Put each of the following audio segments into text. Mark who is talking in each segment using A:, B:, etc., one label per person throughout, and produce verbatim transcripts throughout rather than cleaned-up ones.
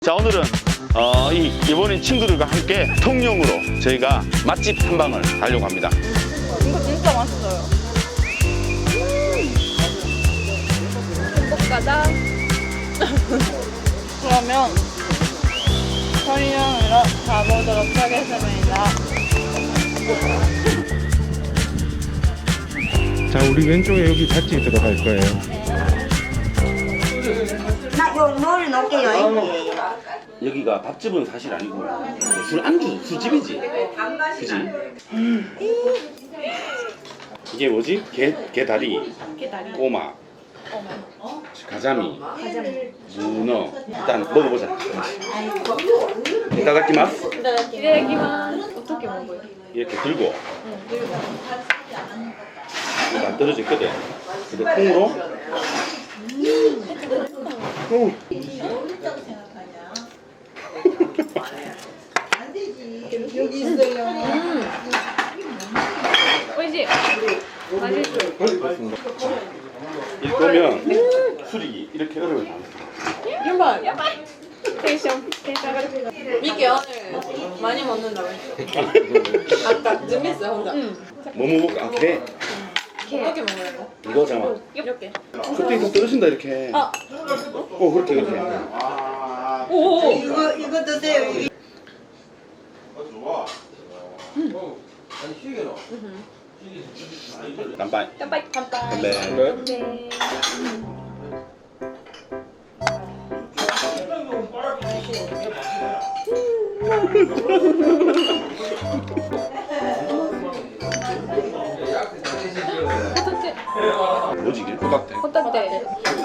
A: 자, 오늘은 어, 이 일본인 친구들과 함께 통영으로 저희가 맛집 탐방을 가려고 합니다.
B: 이거 진짜 맛있어요. 행복가자. 그러면 통영으로 가보도록 하겠습니다.
C: 자, 우리 왼쪽에 여기 밭집 들어갈 거예요.
D: 나 요 뭐를 넣을게요.
A: 여기가 밥집은 사실 아니고 술 안주, 술집이지. 그지? 이게 뭐지? 게, 게다리,
B: 게다리.
A: 꼬마,
B: 어머.
A: 가자미,
B: 가자미.
A: 문어. 일단 먹어보자. 이따다키마스.
B: 기대기만 어떻게 먹어요?
A: 이렇게 들고
B: 응, 그리고
A: 이거 안 떨어져 있거든. 근데 콩으로 음.
D: 여기 있어요.
B: 오이시. 맛있어.
A: 이렇게 보면 술이 이렇게 얼음을 담았어.
B: 야발. 야발. 텐션. 텐션.
E: 미끼 오늘 많이 먹는다고 했어. 아까 준비했어요 혼자.
B: 응.
A: 뭐 먹을까? 아, 게.
E: 어떻게 먹어야 돼?
A: 이거 잠깐만.
E: 이렇게.
A: 그때 이거 떨어진다 이렇게.
E: 아.
A: 어 그렇게 그렇게.
E: 오.
D: 이거 이거 드세요.
A: 깜빡이.
B: 깜빡이. 깜빡이.
A: 네.
B: 네.
A: 뭐지 이게? 호박대.
B: 호떡대.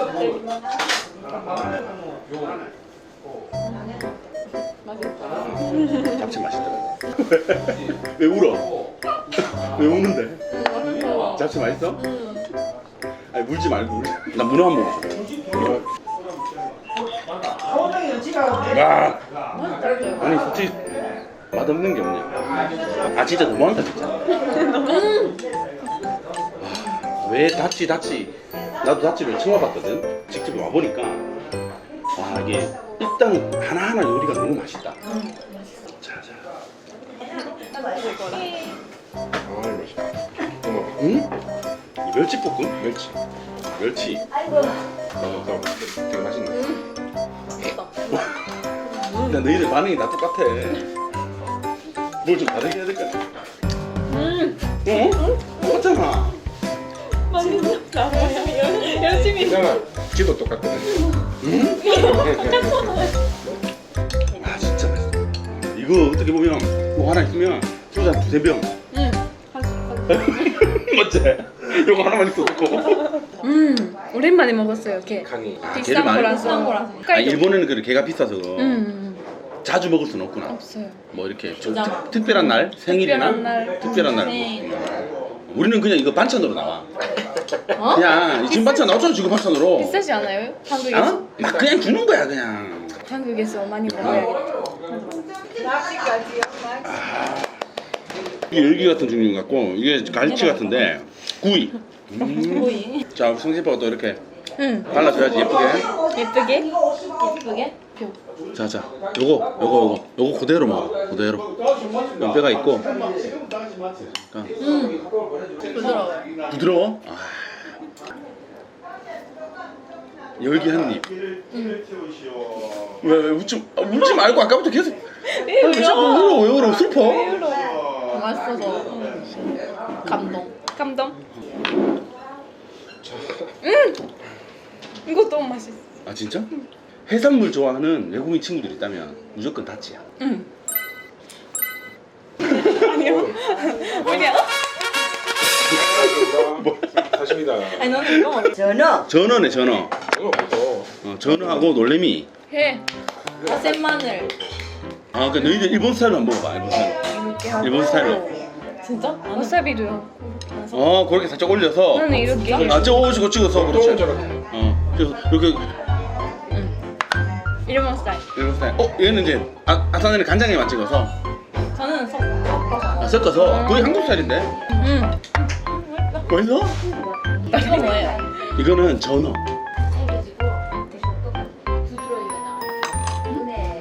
B: 맛있다.
A: 잡채 맛있더라고. 왜 울어? 왜 우는데? 잡채 맛있어? 아니 물지 말고 울지. 나 문어 한 번 먹어. 야. 아니 솔직히 맛없는 게 없냐? 아 진짜 너무한다 진짜. 아, 왜 다치 다치? 나도 다치를 처음 와봤거든. 직접 와보니까 와 이게 일단 하나하나 요리가 너무 맛있다. 자자.
C: 아, 맛있다. 어머,
A: 응? 이 멸치볶음?
C: 멸치.
A: 멸치.
C: 어, 나 되게 맛있네.
A: 야 너희들 반응이 다 똑같아. 뭘 좀 다르게 해야 될까?
B: 음.
A: 어? 똑같잖아.
B: 맛있다. 열심히.
C: 있잖아. 지도 똑같거든.
A: 응? 아 진짜 맛있어. 이거 어떻게 보면 뭐 하나 있으면 소주 한 두세 병.
B: 응.
A: 맞지? 이거 하나만 있어도 좋고.
B: 음. 오랜만에 먹었어요. 게.
C: 강이.
A: 아,
B: 비싼
A: 많이
B: 거라서.
A: 먹어.
B: 비싼 거라서.
A: 아, 일본에는 그 게가 비싸서
B: 음.
A: 자주 먹을 수는 없구나.
B: 없어요.
A: 뭐 이렇게 좀 특, 특별한 날, 생일이나
B: 특별한 날.
A: 특별한 날.
B: 생일.
A: 우리는 그냥 이거 반찬으로 나와.
B: 어?
A: 그냥 이 지금 반찬 나왔잖아 지금 반찬으로.
B: 비싸지 않아요? 한국에서?
A: 어? 막 그냥 주는 거야 그냥.
B: 한국에서 많이 먹어야겠다.
A: 이게 열기 같은 종류 같고 이게 갈치 같은데 구이. 음.
B: 구이.
A: 자 우리 성진빠가 또 이렇게
B: 응.
A: 발라줘야지 예쁘게.
B: 예쁘게? 예쁘게? 표.
A: 자자 요거 요거 요거 요거 그대로 먹어 그대로. 면 뼈가 있고. 그러니까
B: 음. 부드러워요.
A: 부드러워. 아. 열기 한 입. 왜, 왜 웃지, 아, 울지 말고 아까부터 계속 왜 자꾸 울어 왜 울어 슬퍼?
B: 맛있어서 감동. 감동. 음. 이거 너무 맛있어.
A: 아 진짜? 해산물 좋아하는 외국인 친구들 있다면 무조건 다치야.
B: 응. 아니요. 뭐냐?
C: 뭐, 사십니다.
B: 아니 너는 이거 먹어.
D: 전어.
A: 전어네 전어.
C: 이거 먹어.
A: 어, 전어하고 놀래미.
B: 해. 아센 마늘.
A: 아, 그 너희들 일본 스타일로 한번 먹어봐. 일본 스타일. 일본 스타일로.
B: 진짜? 와사비도요.
A: 어, 그렇게 살짝 올려서.
B: 나는 이렇게.
A: 아, 찍어 찍어서 그렇지.
C: 저렇게.
A: 어, 그래서 이렇게
B: 일본 스타일.
A: 일본 스타일. 어, 얘는 이제 아, 아사나는 간장에만 찍어서
B: 저는 섞- 섞어서.
A: 아, 섞어서 거의 한국 스타일인데.
B: 음.
A: 맛있어?
B: 이거 뭐예요?
A: 이거는 전어.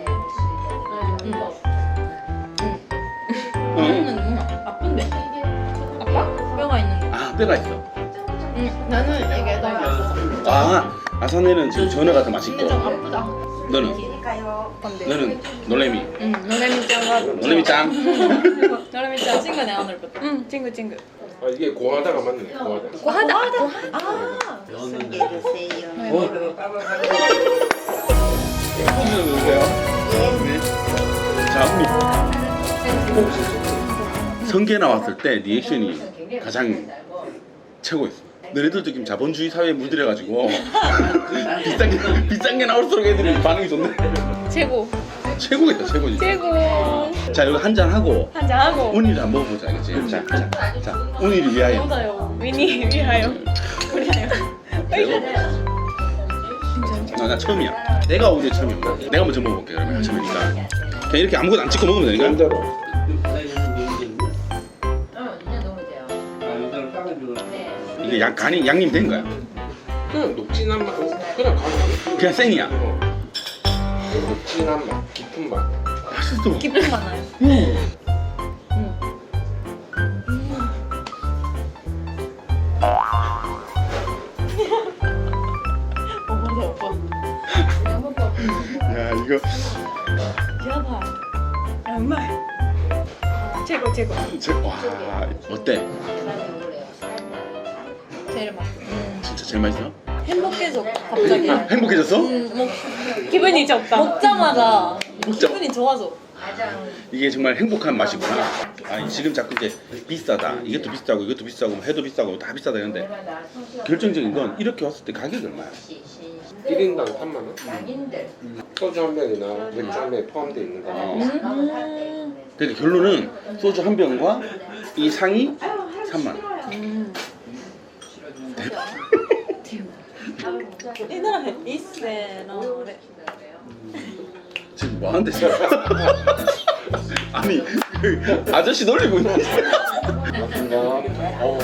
A: 때가 있어.
B: 응, 나는 이게 더 맛있어.
A: 아 아사네는 지금 전어가 더 맛있고.
B: 근데 좀 아프다.
A: 너는
B: 건데.
A: 너는 놀래미.
B: 응, 노래미 짱.
A: 놀래미 짱.
B: 노래미 짱 친구네 오늘부터. 응, 친구 친구.
C: 아 이게 고하다가 맞네. 고하다.
B: 고하다. 고하다. 아.
D: 성게 주세요.
A: 어? 처음 드세요? 네. 자 우리 성게 나왔을 때 리액션이 가장 최고였어. 너네들도 지금 자본주의 사회에 물들여가지고 비싼 게 비싼 게 나올수록 애들이 반응이 좋네.
B: 최고.
A: 최고겠다 최고지.
B: 최고.
A: 자 여기 한잔 하고
B: 한잔 하고.
A: 운이를 한번 먹어보자 알겠지? 자, 자, 자 운이를 위하여.
B: 맞아요. 위니 위하여. 위하여.
A: 아, 나 처음이야. 내가 오늘 처음이야. 내가 먼저 먹어볼게 그러면 처음이니까. 그냥 이렇게 아무것도 안 찍고 먹으면 되니까.
C: 남자로.
A: 이게 양 간이 양념 된 거야.
C: 그냥 녹진한 맛. 그냥 가면
A: 그냥 생이야.
C: 녹진한 맛, 깊은 맛.
A: 맛있어.
B: 기분 많아요.
A: 음.
B: 어, 맞아 오빠.
A: 야 이거
B: 야봐. 정말. 최고 최고.
A: 제, 와 어때?
B: 제일 맛있어.
A: 진짜 제일 맛있어?
B: 행복해져 갑자기.
A: 행복해졌어?
B: 음, 뭐 기분이 좋다. 먹자마자
A: 먹자.
B: 기분이 좋아져.
A: 이게 정말 행복한 맛이구나. 아니 지금 자꾸 이제 비싸다. 이것도 비싸고 이것도 비싸고 해도 비싸고 다 비싸다 이런데 결정적인 건 이렇게 왔을 때 가격이 얼마야?
C: 일 인당 삼만 원. 소주 한 병이나 맥주 한 병에 포함되어 있는 거.
B: 음.
A: 그러니까 결론은 소주 한 병과 이 상이 삼만 원.
B: 음. 이 나라 이세나래.
A: 지금 뭐 하는데 지금? 아니 그 아저씨 놀리고 있는
C: 맞습니다. 어.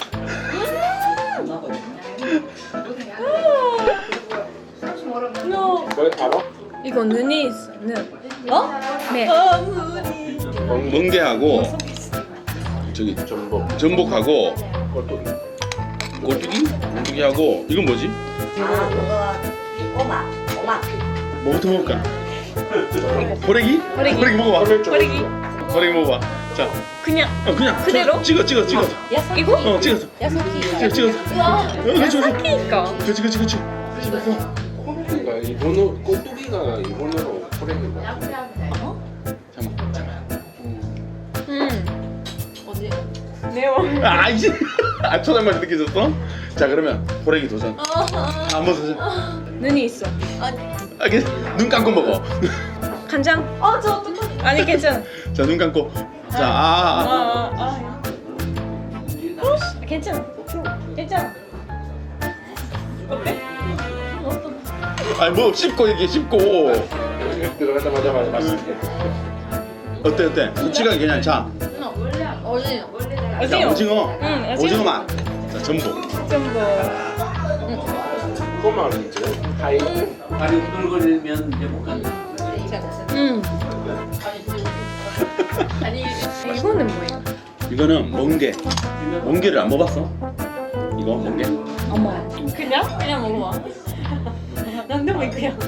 B: No.
C: 왜 알아?
B: 이거 눈이 있어. 눈. 어? 네. 어, 눈이.
A: 멍게하고 저기
C: 전복.
A: 전복하고
C: 꼴뚜기.
A: 꼴뚜기? 꼴뚜기하고 이건 뭐지?
D: 아, 그거 꼬마, 꼬마.
A: 뭐부터 먹을까? 호래기?
B: 호래기.
A: 호래기 먹어봐.
B: 버리기.
A: 호래기 먹어봐. 자,
B: 그냥
A: 어, 그냥
B: 그대로?
A: 저, 찍어 찍어 찍어.
B: 야사키. 이거?
A: 어 찍었어.
B: 야사키.
A: 찍어 찍었어. 어, 그렇지 그렇지.
B: 야사키니까.
A: 그렇지 그렇지 그렇지.
C: 꼴뚜기가 일본어 꼴뚜기가 일본어로 호랭이가.
A: 잠깐 잠깐.
B: 음. 어디? 매워.
A: 아 이제 아 초장맛이 느껴졌어? 자 그러면 호래기 도전. 한번 도전.
B: 눈이 있어. 아니.
A: 아, 괜찮- 눈 감고 먹어.
B: 간장. 아, 저 어떡하지? 아니 괜찮아.
A: 자 눈 감고. 자 아. 아.
B: 아, 아. 어? 괜찮아. 괜찮아. 어때?
A: 아니 뭐 씹고 얘기해 씹고.
C: 들어가자마자 말- 맛있게.
A: 어때 어때? 솔직하게 그냥 자.
B: 어디?
A: 자
B: 어디요?
A: 오징어.
B: 응,
A: 오징어 맛. 자 전복.
B: 전부.
C: 꼬마는 이제 하이.
F: 다리 흔들거리면 이제 못 간다.
B: 응. 이거는 뭐예요?
A: 이거는 멍게. 멍게를 안 먹어봤어? 이거 멍게?
B: 어머. 그냥? 그냥 먹어봐. 난데 뭐 그냥.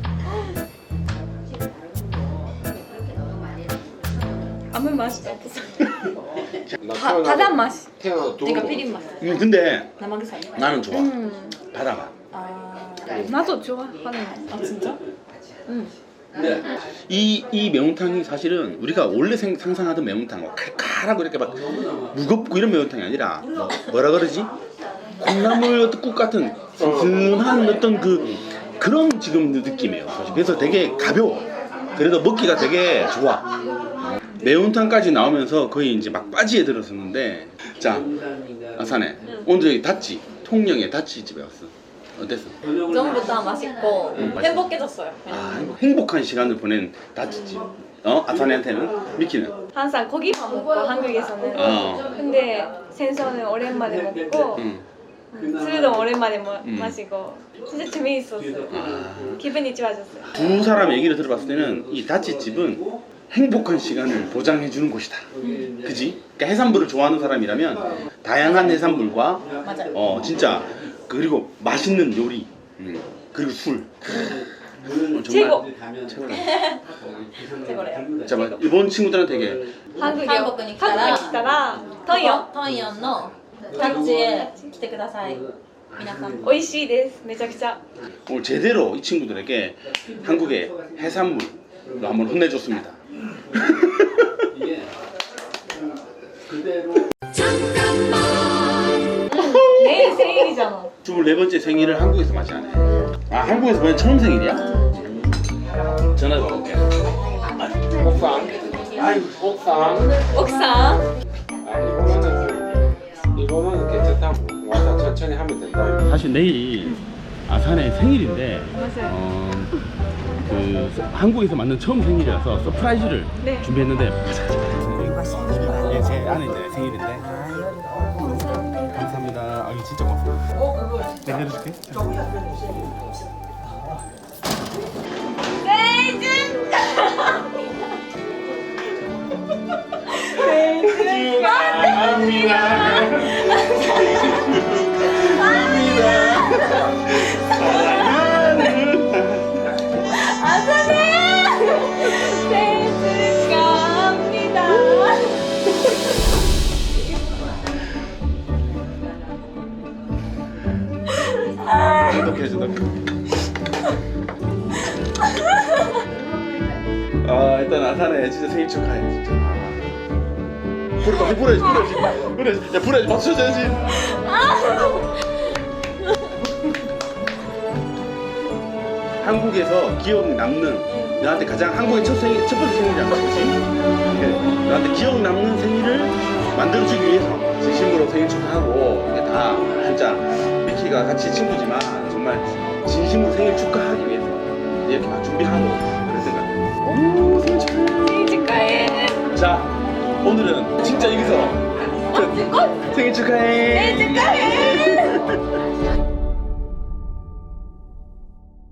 B: 아무 맛이 없어.
C: 나
B: 바,
C: 태어나서-
B: 바다 맛이.
C: 태어나서 두
B: 내가
C: 번
B: 피린 맛.
A: 음 근데
B: 남한산.
A: 나는 좋아.
B: 음.
A: 바다 맛.
B: 아. 나도 좋아하는 맛. 아 진짜? 응.
F: 근데
A: 이, 이 매운탕이 사실은 우리가 원래 생, 상상하던 매운탕 뭐 칼칼하고 이렇게 막 무겁고 이런 매운탕이 아니라 뭐, 뭐라 그러지? 콩나물 어떤 국 같은 든든한 어떤 그 그런 지금 느낌이에요. 사실. 그래서 되게 가벼워. 그래도 먹기가 되게 좋아. 매운탕까지 나오면서 거의 이제 막바지에 들었었는데 자 아사네 오늘 여기 다치 통영의 다치 집에 왔어. 어땠어?
B: 전부 다 맛있고
A: 응,
B: 행복해졌어요.
A: 아 행복- 행복한 시간을 보낸 다치집. 어? 아사네한테는? 미키는?
B: 항상 고기만 먹고 한국에서는.
A: 어.
B: 근데 생선은 오랜만에 먹고
A: 응.
B: 술도 오랜만에 마,
A: 음.
B: 마시고 진짜 재미있었어요.
A: 아.
B: 기분이 좋아졌어요.
A: 두 사람 얘기를 들어봤을 때는 이 다치집은 행복한 시간을 보장해 주는 곳이다. 그지? 그러니까 해산물을 좋아하는 사람이라면 다양한 해산물과
B: 맞아요.
A: 어 진짜 그리고 맛있는 요리 음, 그리고 술 어, 정말
B: 최고.
A: 최고다.
B: 최고래요.
A: 잠깐 일본 친구들은 되게
B: 한국에
E: 한국に来たら
B: 한국에来たらトンヨン
E: トンヨンのタッチへ来てください皆さん
B: 美味しいですめちゃくちゃ
A: 오늘 제대로 이 친구들에게 한국의 해산물로 한번 혼내줬습니다.
F: 이게 그대로
B: 내일 생일이잖아.
A: 스물네 번째 생일을 한국에서 맞이하네. 아 한국에서 보면 처음 생일이야? 전화 받을게.
C: 옥상. 옥상.
B: 옥상
C: 아 이거는 이거는 괜찮다. 와서 천천히 하면 된다.
A: 사실 내일 아산의 생일인데
B: 맞아요.
A: 어, 그 한국에서 맞는 처음 생일이라서 서프라이즈를
B: 네.
A: 준비했는데
D: 이거 생일이야.
A: 이게 제 아내 이제 생일인데 감사합니다. 아 이거 진짜 고맙습니다. 내가 해줄게.
B: 생일 축하합니다.
A: 행복해지다. 아 일단 아산에 진짜 생일 축하해 진짜. 불 빨리 불어야지 불어야지 불어야지 야 불어야지 박수 쳐줘야지. 한국에서 기억 남는 너한테 가장 한국의 첫 생일 첫 번째 생일이야, 그렇지? 그래, 너한테 기억 남는 생일을 만들어주기 위해서 진심으로 생일 축하하고 이게 다 진짜 미키가 같이 친구지만 정말 진심으로 생일 축하하기 위해서 이렇게 막 준비하고 그랬던 것 같아요. 오 생일 축하해.
B: 생일 축하해.
A: 자 오늘은 진짜 여기서 끝. 생일 축하해.
B: 생일 축하해.